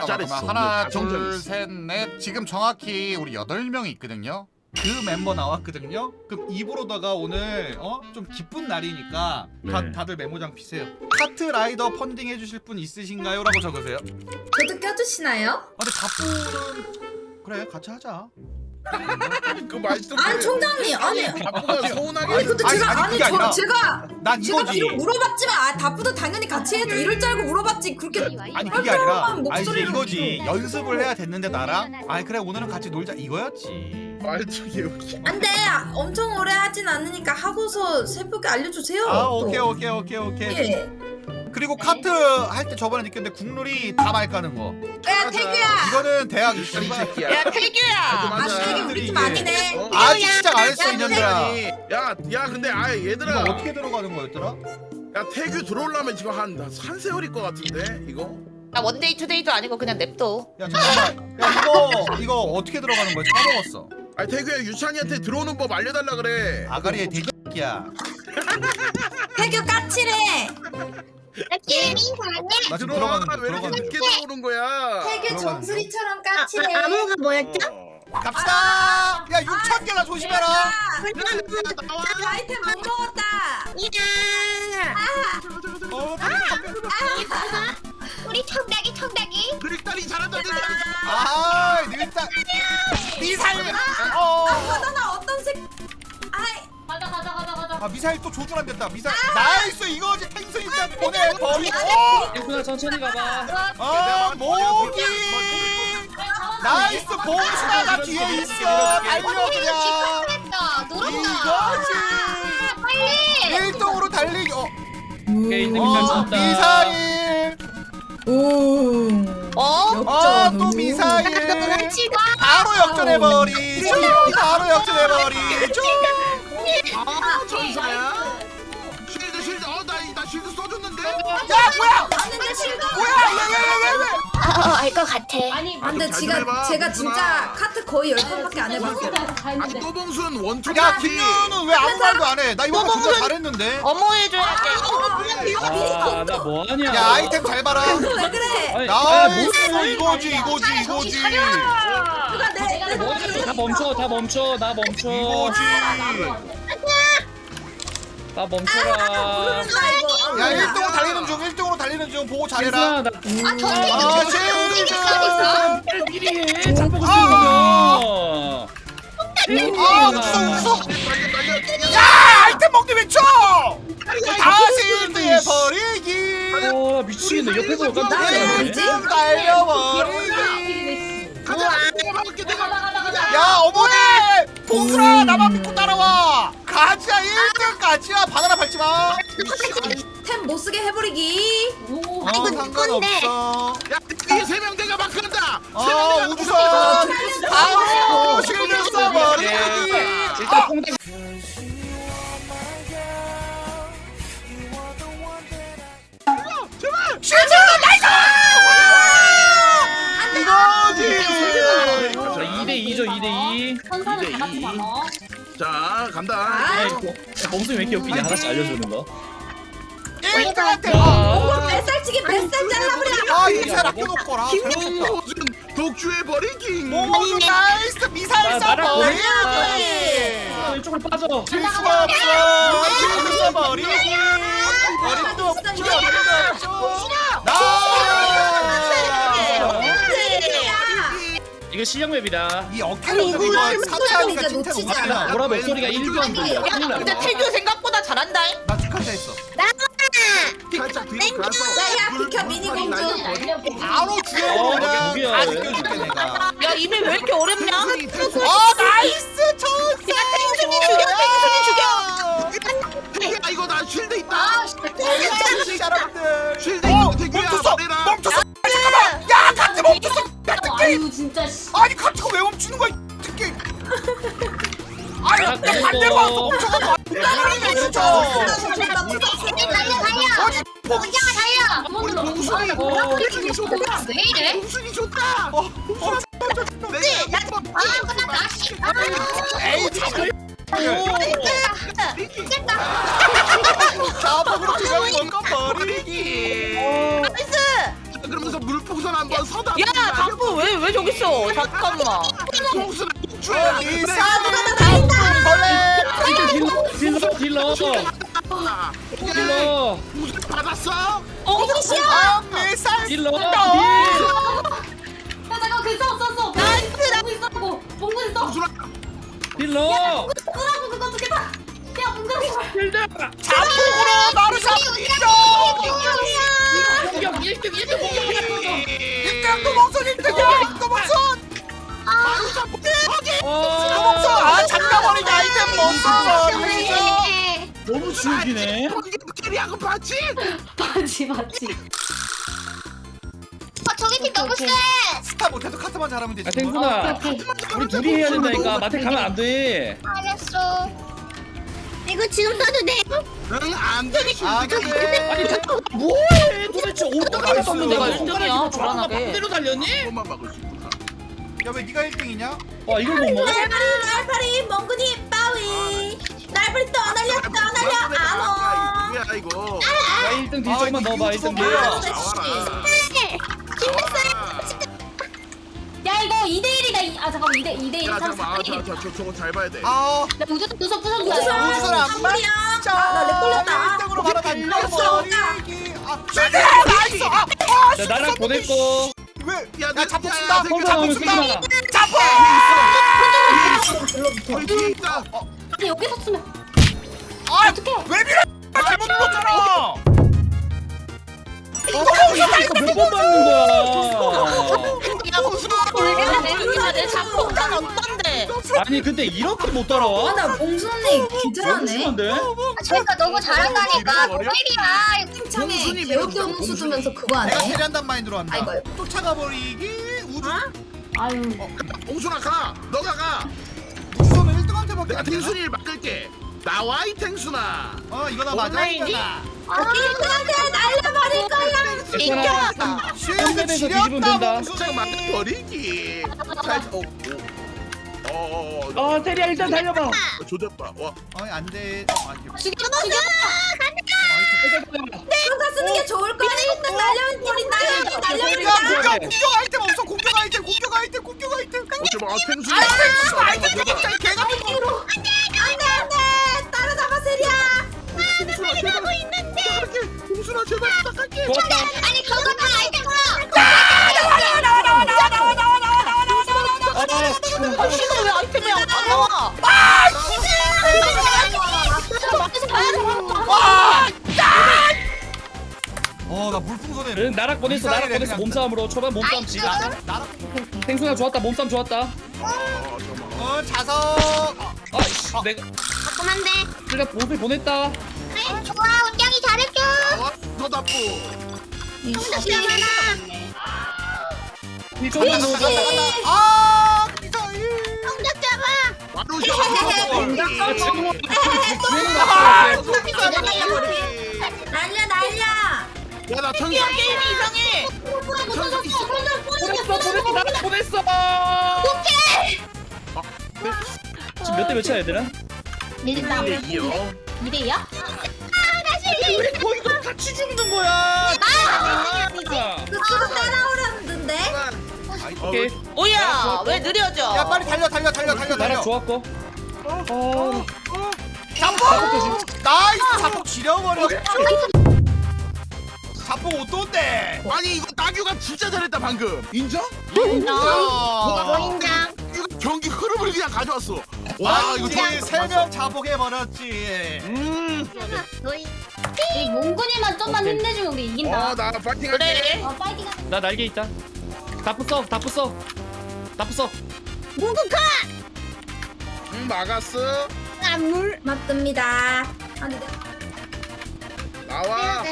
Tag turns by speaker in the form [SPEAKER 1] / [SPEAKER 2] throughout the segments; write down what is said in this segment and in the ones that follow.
[SPEAKER 1] 잘했어.
[SPEAKER 2] 하나,
[SPEAKER 1] 정정
[SPEAKER 2] 둘,
[SPEAKER 1] 있어.
[SPEAKER 2] 셋, 넷. 지금 정확히 우리 8명이 있거든요.
[SPEAKER 3] 그 멤버 나왔거든요. 그럼 입으로다가 오늘 좀 기쁜 날이니까
[SPEAKER 1] 네.
[SPEAKER 3] 다들 메모장 피세요. 카트 라이더 펀딩 해주실 분 있으신가요? 라고 적으세요.
[SPEAKER 4] 저도 껴주시나요?
[SPEAKER 3] 근데 다뿌는 그래 같이 하자.
[SPEAKER 1] 그 말씀.
[SPEAKER 4] 아니 총장님 아니
[SPEAKER 1] 바쁘가 서운하게.
[SPEAKER 4] 아니 근데 제가
[SPEAKER 3] 아니, 그게 아니라
[SPEAKER 4] 제가
[SPEAKER 3] 난
[SPEAKER 4] 제가
[SPEAKER 3] 이거지.
[SPEAKER 4] 비록 물어봤지만 다프도 당연히 같이 해도 이럴 줄 알고 물어봤지 그렇게
[SPEAKER 3] 아니 그게 아니라 아니 이제
[SPEAKER 4] 목소리로
[SPEAKER 3] 이거지. 연습을 해야 됐는데 나랑 아니 그래 오늘은 같이 놀자 이거였지.
[SPEAKER 1] 말투 개웃기.
[SPEAKER 4] 안돼 엄청 오래 하진 않으니까 하고서 새벽에 알려주세요.
[SPEAKER 3] 아
[SPEAKER 4] 또.
[SPEAKER 3] 오케이.
[SPEAKER 4] 예.
[SPEAKER 3] 그리고 카트 할 때 저번에 느꼈는데 국룰이 다 말 까는 거.
[SPEAKER 4] 야 태규야.
[SPEAKER 3] 이거는 대학
[SPEAKER 1] 이
[SPEAKER 3] 있으니까.
[SPEAKER 1] 새끼야.
[SPEAKER 5] 야 태규야.
[SPEAKER 4] 아 태규 우리 팀 아니네.
[SPEAKER 1] 어?
[SPEAKER 3] 아직 시작 안 했어 이년들아.
[SPEAKER 1] 야 근데
[SPEAKER 3] 이거
[SPEAKER 1] 얘들아.
[SPEAKER 3] 어떻게 들어가는 거였더라?
[SPEAKER 1] 야 태규 들어오려면 지금 한 세월일 것 같은데 이거.
[SPEAKER 5] 나 원데이 투데이도 아니고 그냥 냅둬.
[SPEAKER 3] 야 잠깐만. 야 이거 어떻게 들어가는 거야? 까먹었어.
[SPEAKER 1] 아니 태규야 유찬이한테 들어오는 법 알려달라 그래.
[SPEAKER 3] 아가리의 대기야.
[SPEAKER 4] 태규 까칠해.
[SPEAKER 3] 나 지금
[SPEAKER 1] 들어와
[SPEAKER 3] 들어가는 중.
[SPEAKER 1] 왜 이렇게 늦게 들어오는 거야.
[SPEAKER 4] 태규
[SPEAKER 3] 들어가는
[SPEAKER 4] 정수리처럼 까칠해.
[SPEAKER 5] 아무가 뭐였죠?
[SPEAKER 3] 갑시다. 야 6천 개나 조심해라.
[SPEAKER 4] 아이템 못 먹었다.
[SPEAKER 5] 우리 청닭이.
[SPEAKER 1] 그릭다리 잘한다.
[SPEAKER 3] 아 일단 미사일.
[SPEAKER 4] 바나나 어떤 색? 아이
[SPEAKER 3] 아 미사일 또 조준하면 된다. 미사일. 나이스 이거지 탱수 일단 보내버리고.
[SPEAKER 6] 일구나 천천히 가봐.
[SPEAKER 3] 아 모기. 나이스 봉수다가 뒤에 있어. 달려 그냥. 이거지.
[SPEAKER 5] 빨리.
[SPEAKER 3] 1등으로 달리기.
[SPEAKER 6] 오케이 이제 미사일 쏜다.
[SPEAKER 3] 미사일.
[SPEAKER 5] 어?
[SPEAKER 3] 또 미사일.
[SPEAKER 5] 치고.
[SPEAKER 3] 바로 역전해버리죠. 바로 역전해버리죠.
[SPEAKER 1] 아 천사야. 쉴드. 나 쉴드 써줬는데.
[SPEAKER 3] 야 뭐야?
[SPEAKER 4] 봤는데 실감.
[SPEAKER 3] 뭐야?
[SPEAKER 5] 알 것 같아.
[SPEAKER 4] 근데
[SPEAKER 1] 잘 좀 해봐,
[SPEAKER 4] 제가
[SPEAKER 1] 봉순아.
[SPEAKER 4] 진짜 카트 거의 10번밖에 안 해봤어요.
[SPEAKER 1] 아니 또봉순 원투.
[SPEAKER 3] 야 김윤우는 왜 아무 말도 안 해? 나 이거 진짜 잘했는데.
[SPEAKER 5] 어머 해줘야 돼.
[SPEAKER 6] 아나 뭐하냐?
[SPEAKER 3] 야 아이템 잘 봐라.
[SPEAKER 4] 왜 그래?
[SPEAKER 3] 나이스 이거지.
[SPEAKER 4] 누가 내
[SPEAKER 6] 뭐하냐? 다 멈춰. 나 멈춰.
[SPEAKER 3] 이거지.
[SPEAKER 6] 나 멈춰라.
[SPEAKER 4] 부른다 이거.
[SPEAKER 3] 야 1등으로 달리는 중 보고 잘해라.
[SPEAKER 6] 일구나 나
[SPEAKER 3] 아 쉴드.
[SPEAKER 6] 미리 해. 잡고 싶으면.
[SPEAKER 3] 웃어. 야 아이템 먹니 외쳐. 다시 1등에 버리기.
[SPEAKER 6] 어 미치겠네. 옆에서
[SPEAKER 4] 나
[SPEAKER 6] 깜짝이야.
[SPEAKER 4] 뭐지?
[SPEAKER 3] 달려버리기.
[SPEAKER 1] 가자. 내가 막을게.
[SPEAKER 3] 야 어머니 봉수라 나만 믿고 따라와. 가지야 1등 가지야. 바나나 밟지 마.
[SPEAKER 4] 템 못 쓰게 해버리기.
[SPEAKER 3] 상관없어.
[SPEAKER 1] 야 이게 세명 내가 마크한다.
[SPEAKER 3] 우주선 바로 실드 써버리기.
[SPEAKER 6] 일단 퐁당.
[SPEAKER 3] 실드 나이스. 이거지.
[SPEAKER 6] 자 2대2죠 2대2.
[SPEAKER 1] 자 간다.
[SPEAKER 4] 아,
[SPEAKER 6] 범수이 왜 이렇게 웃기냐 하나씩 알려주는 거.
[SPEAKER 3] 1등한테
[SPEAKER 4] 오, 뱃살치기 뱃살 잘라버려.
[SPEAKER 3] 이살 아껴놓거라. 잘못했다.
[SPEAKER 1] 봉순 독주해 버리기.
[SPEAKER 3] 몽수 나이스 미사일
[SPEAKER 6] 나랑
[SPEAKER 3] 써버리기.
[SPEAKER 6] 이쪽으로 빠져.
[SPEAKER 3] 질 수가 없어. 실드 써버리기. 어림도 없죠.
[SPEAKER 6] 이거 실력 맵이다.
[SPEAKER 3] 이 어깨를 이거 사차하니까
[SPEAKER 4] 진짜
[SPEAKER 3] 진짜
[SPEAKER 4] 놓치지
[SPEAKER 3] 못하냐.
[SPEAKER 4] 않아.
[SPEAKER 6] 보라 목소리가 1도 안 들려.
[SPEAKER 5] 야 근데 태규 생각보다 잘한다.
[SPEAKER 3] 나 축하한다 했어.
[SPEAKER 1] 살짝 뒤로 가서.
[SPEAKER 4] 야, 비켜, 미니공주.
[SPEAKER 3] 바로 주에
[SPEAKER 6] 어,
[SPEAKER 3] 그냥
[SPEAKER 6] 누구야,
[SPEAKER 3] 다
[SPEAKER 6] 왜?
[SPEAKER 3] 느껴줄게 내가.
[SPEAKER 5] 야 이미 왜 이렇게 어렵냐?
[SPEAKER 3] 나이스 천사.
[SPEAKER 1] 야 이거 나 쉴드 있다.
[SPEAKER 3] 사람들.
[SPEAKER 1] 쉴드 있는 태규야.
[SPEAKER 3] 멈췄어.
[SPEAKER 1] 말해라.
[SPEAKER 3] 멈췄어. 잠깐만. 야 카트 멈췄어. 야 특기.
[SPEAKER 7] 아유 진짜 씨.
[SPEAKER 3] 아니 카트가 왜 멈추는 거야? 특기. 아니
[SPEAKER 6] 야,
[SPEAKER 3] 내 반대로 와서
[SPEAKER 6] 그리고-
[SPEAKER 3] 멈춰가지고. 진짜. 어디 포기.
[SPEAKER 1] 우리 봉순이. 봉순이 좋다.
[SPEAKER 5] 왜 이래?
[SPEAKER 1] 봉순이 좋다.
[SPEAKER 3] 에이 참. 자폭으로 그냥 먹어버리기.
[SPEAKER 1] 그러면서 물풍선 한번 서다.
[SPEAKER 5] 야 자꾸 왜 저기 있어? 잠깐만.
[SPEAKER 1] 봉순아
[SPEAKER 6] 딜러.
[SPEAKER 1] 봉순 받았어?
[SPEAKER 3] 밀살
[SPEAKER 6] 딜러.
[SPEAKER 7] 야 잠깐 괜찮아 썼어. 나이스 있었고 봉근 있어.
[SPEAKER 1] 봉순아
[SPEAKER 6] 딜러.
[SPEAKER 7] 끄라고 그거 두개 다. 야 봉근
[SPEAKER 6] 딜러.
[SPEAKER 3] 자폭으로 나를 잡히죠.
[SPEAKER 6] 공격 1등 공격.
[SPEAKER 3] 1등 도봉선 1등이야. 도봉선. 도봉선 아 잠가버리기 아이템 못 써.
[SPEAKER 6] 너무 죽이네.
[SPEAKER 1] 캐리하고 봤지?
[SPEAKER 7] 맞지.
[SPEAKER 5] 저기 팀 너무 세.
[SPEAKER 3] 스타 못해도 카트만 잘하면 되지.
[SPEAKER 6] 아 탱순아. 우리 둘이 해야 된다니까. 마태 가면 안 돼.
[SPEAKER 5] 알았어. 이거 지금 써도 돼?
[SPEAKER 1] 응안 되지.
[SPEAKER 3] 아 그래.
[SPEAKER 6] 아니 잠깐 뭐해? 도대체 어떻게
[SPEAKER 3] 나이스.
[SPEAKER 6] 썼는데 내가
[SPEAKER 5] 일등이야,
[SPEAKER 6] 손가락이
[SPEAKER 5] 불안하게.
[SPEAKER 6] 반대로 달렸니?
[SPEAKER 1] 그것만 막을 수 있구나.
[SPEAKER 3] 야왜 네가 1등이냐?
[SPEAKER 6] 와 이걸 못 먹어?
[SPEAKER 4] 날파리 멍근이 빠위. 날파리 또 날려 안 와.
[SPEAKER 1] 뭐야 이거?
[SPEAKER 6] 야 1등 뒤 조금만 넣어봐 1등 뒤.
[SPEAKER 1] 나와라.
[SPEAKER 7] 야 이거 2대1이다. 아 잠깐만 2대1
[SPEAKER 1] 야
[SPEAKER 7] 3
[SPEAKER 1] 잠깐만
[SPEAKER 7] 4
[SPEAKER 1] 저거 잘 봐야 돼.
[SPEAKER 3] 아
[SPEAKER 7] 나 우주선 부서 부서
[SPEAKER 3] 우주선 안
[SPEAKER 4] 선물이야. 나렉 걸렸다.
[SPEAKER 3] 1등으로 바로 달려버리기. 아 슈팅! 나이스!
[SPEAKER 6] 자 나랑 보냈고.
[SPEAKER 3] 왜?
[SPEAKER 1] 야,
[SPEAKER 3] 야 자폭
[SPEAKER 1] 야,
[SPEAKER 3] 쓴다.
[SPEAKER 1] 야,
[SPEAKER 6] 성사
[SPEAKER 3] 자폭
[SPEAKER 6] 오면
[SPEAKER 3] 쓴다.
[SPEAKER 6] 쓰지 마라.
[SPEAKER 3] 자폭!
[SPEAKER 1] 거기 뒤에 있다.
[SPEAKER 7] 아니 여기서 쓰면
[SPEAKER 3] 아
[SPEAKER 7] 어떡해.
[SPEAKER 3] 왜 밀어? 잘못 눌렀잖아.
[SPEAKER 6] 몇번 맞는 거야?
[SPEAKER 5] 야 봉순아 내 작곡한 어떤데?
[SPEAKER 6] 아니 근데 이렇게 못 따라와?
[SPEAKER 4] 나 봉순이 기절하네.
[SPEAKER 6] 심한데?
[SPEAKER 5] 저희가 너무 잘한다니까.
[SPEAKER 1] 버려?
[SPEAKER 5] 야
[SPEAKER 4] 힘창에
[SPEAKER 1] 봉순이
[SPEAKER 4] 개혁
[SPEAKER 1] 밀었어,
[SPEAKER 4] 점수 두면서 그거
[SPEAKER 3] 내가
[SPEAKER 4] 하네.
[SPEAKER 3] 캐리한단 마인드로 한다.
[SPEAKER 4] 아이고.
[SPEAKER 3] 쫓아가버리기. 우주
[SPEAKER 7] 아유
[SPEAKER 1] 봉순아 가. 너가 가.
[SPEAKER 3] 우주선은 1등한테밖에
[SPEAKER 1] 내가
[SPEAKER 3] 안 되나?
[SPEAKER 1] 탱순이를 막을게. 나와 이 탱순아.
[SPEAKER 3] 이거나 맞아.
[SPEAKER 5] 온라인이?
[SPEAKER 3] 이거나.
[SPEAKER 4] 아, 날려버릴 거야.
[SPEAKER 6] 괜찮아.
[SPEAKER 3] 쉐이크
[SPEAKER 6] 홈랩에서 뒤집으면
[SPEAKER 3] 지렸다
[SPEAKER 6] 된다.
[SPEAKER 1] 살짝
[SPEAKER 3] 봉순이.
[SPEAKER 1] 막아버리기. 살짝
[SPEAKER 6] 아 테리야 일단 달려봐.
[SPEAKER 1] 조졌다. 와.
[SPEAKER 3] 안돼.
[SPEAKER 4] 누가 쓰는 게 좋을 거야. 일단 날려버린다.
[SPEAKER 3] 야 공격 아이템 없어. 공격 아이템.
[SPEAKER 1] 어쩌면 탱순이.
[SPEAKER 3] 아이템 갑자기 개가
[SPEAKER 4] 안돼. 따라잡아 세리야.
[SPEAKER 1] 봉순아 제발. 봉순아 제발 부탁할게.
[SPEAKER 6] 좋았다.
[SPEAKER 5] 아니 그거 다 아이템
[SPEAKER 6] 아
[SPEAKER 5] 시간 왜 아이템이 안 나와?
[SPEAKER 3] 나 물풍선에.
[SPEAKER 6] 응, 나락 보냈어 나락 보냈어 몸싸움으로 초반 몸싸움 지가. 탱순아 좋았다 몸싸움 좋았다.
[SPEAKER 3] 자석.
[SPEAKER 6] 아이씨 내가
[SPEAKER 5] 조금만데.
[SPEAKER 6] 내가 보스 보냈다.
[SPEAKER 5] 좋아 운영이 잘해줘.
[SPEAKER 1] 더 나쁘.
[SPEAKER 6] 이 조금만 넣어줘.
[SPEAKER 3] 미사일.
[SPEAKER 5] 공격 잡아.
[SPEAKER 1] 바로
[SPEAKER 4] 날려.
[SPEAKER 1] 야나 천사.
[SPEAKER 5] 게임이 이상해.
[SPEAKER 6] 보냈어 나락 보냈어. 지금 몇 대 몇이야 얘들아?
[SPEAKER 7] 밀린다.
[SPEAKER 1] 2대2요.
[SPEAKER 7] 2대2야?
[SPEAKER 6] 왜 거기서 같이 죽는 거야?
[SPEAKER 4] 그쪽으로 따라오려는데.
[SPEAKER 6] 오케이
[SPEAKER 5] 뭐야? 왜 느려져?
[SPEAKER 3] 야 빨리 달려.
[SPEAKER 6] 나락 좋았고.
[SPEAKER 3] 자폭. 나이스 자폭 지려버려. 자폭 어떤데?
[SPEAKER 1] 아니 이거 나규가 진짜 잘했다 방금. 인정?
[SPEAKER 5] 인장.
[SPEAKER 1] 이거 경기 흐름을 그냥 가져왔어. 와 이거
[SPEAKER 3] 이제 3명 자폭해버렸지.
[SPEAKER 7] 이 몽군이만 좀만
[SPEAKER 6] 오케이.
[SPEAKER 7] 힘내주면 우리 이긴다.
[SPEAKER 1] 나 파이팅
[SPEAKER 5] 그래.
[SPEAKER 1] 할게.
[SPEAKER 7] 파이팅하자.
[SPEAKER 6] 나 날개 있다. 다 부숴.
[SPEAKER 1] 막았어.
[SPEAKER 4] 맞습니다. 아니
[SPEAKER 1] 나와.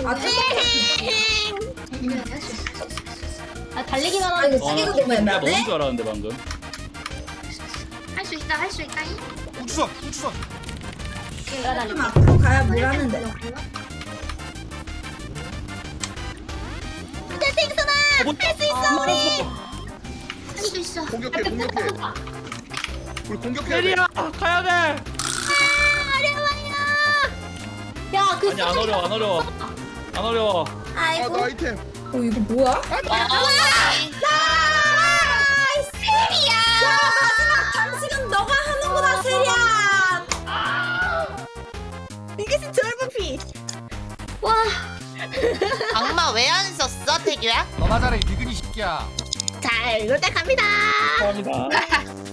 [SPEAKER 7] 달리기만
[SPEAKER 4] 아
[SPEAKER 7] 하는
[SPEAKER 4] 이거 쓰기가 너무
[SPEAKER 6] 나
[SPEAKER 4] 애매하네.
[SPEAKER 6] 먹은 줄 알았는데 방금.
[SPEAKER 5] 할 수 있다.
[SPEAKER 3] 우주선.
[SPEAKER 7] 내가 달리기.
[SPEAKER 4] 좀 앞으로 가야 뭘 하는데.
[SPEAKER 5] 할수 있어.
[SPEAKER 1] 공격해. 우리 공격해야 돼.
[SPEAKER 6] 테리야 가야 돼.
[SPEAKER 7] 야, 그
[SPEAKER 6] 아니 안 어려워.
[SPEAKER 1] 아,
[SPEAKER 4] 아이고.
[SPEAKER 1] 나 아이템.
[SPEAKER 4] 이거 뭐야? 세리야! 야, 마지막 장식은 너가 하는구나, 세리야!
[SPEAKER 5] 이게 진짜 얼굴피.
[SPEAKER 7] 와.
[SPEAKER 8] 악마 왜 안 썼어, 태규야?
[SPEAKER 2] 너나 잘해 니근이 새끼야.
[SPEAKER 5] 자, 이럴 때 갑니다.
[SPEAKER 6] 감사합니다.